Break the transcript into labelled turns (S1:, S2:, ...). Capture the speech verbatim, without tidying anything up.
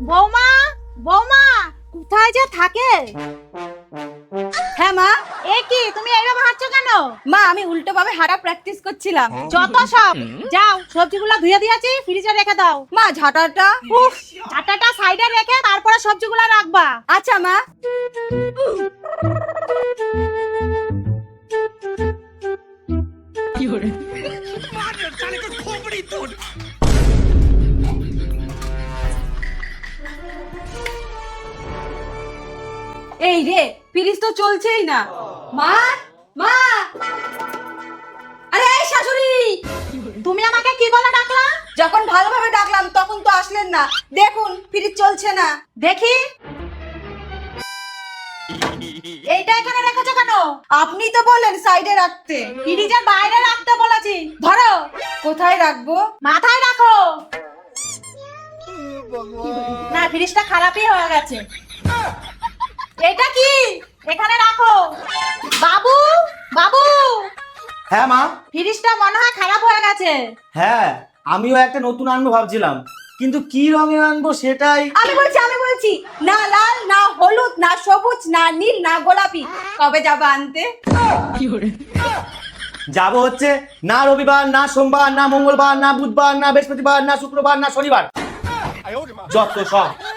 S1: বৌমা, বৌমা কোথায় যে থাকে?
S2: হ্যাঁ মা।
S1: এ কি তুমি এইভাবে হাঁটছো কেন?
S2: মা আমি উল্টো ভাবে হাঁটা প্র্যাকটিস করছিলাম।
S1: যত সব, যাও সবজিগুলো ধুয়ে দিয়েছি ফ্রিজে রেখে দাও।
S2: মা ঝাঁটাটা।
S1: উফ, ঝাঁটাটা সাইডে রেখে তারপরে সবজিগুলো রাখবা।
S2: আচ্ছা মা। এই রে, ফ্রিজ তো চলছেই না। মা, মা, আরে এই শাশুড়ি,
S1: তুমি আমাকে কি বলে ডাকলা?
S2: যখন ভালোভাবে ডাকলাম তখন তো আসলেন না। দেখুন ফ্রিজ চলছে না।
S1: দেখি এইটা এখানে রেখেছো কেন?
S2: আপনি তো বললেন সাইডে রাখতে।
S1: ফ্রিজের বাইরে রাখতে বলেছি। ধরো।
S2: কোথায় রাখবো?
S1: মাথায় রাখো। না, ফ্রিজটা খারাপই হয়ে গেছে। এটা কি? এখানে রাখো। বাবু, বাবু,
S3: হ্যাঁ মা।
S1: ফ্রিজটা মনে হয় খারাপ হয়ে গেছে।
S3: হ্যাঁ, আমিও একটা নতুন আনবো ভাবছিলাম, কিন্তু কি রঙের আনবো সেটাই।
S2: আমি বলছি আমি বলছি না লাল, না হলুদ, না সবুজ, না নীল, না গোলাপি। কবে যাবো আনতে?
S3: যাবো হচ্ছে না রবিবার, না সোমবার, না মঙ্গলবার, না বুধবার, না বৃহস্পতিবার, না শুক্রবার, না শনিবার। যত সব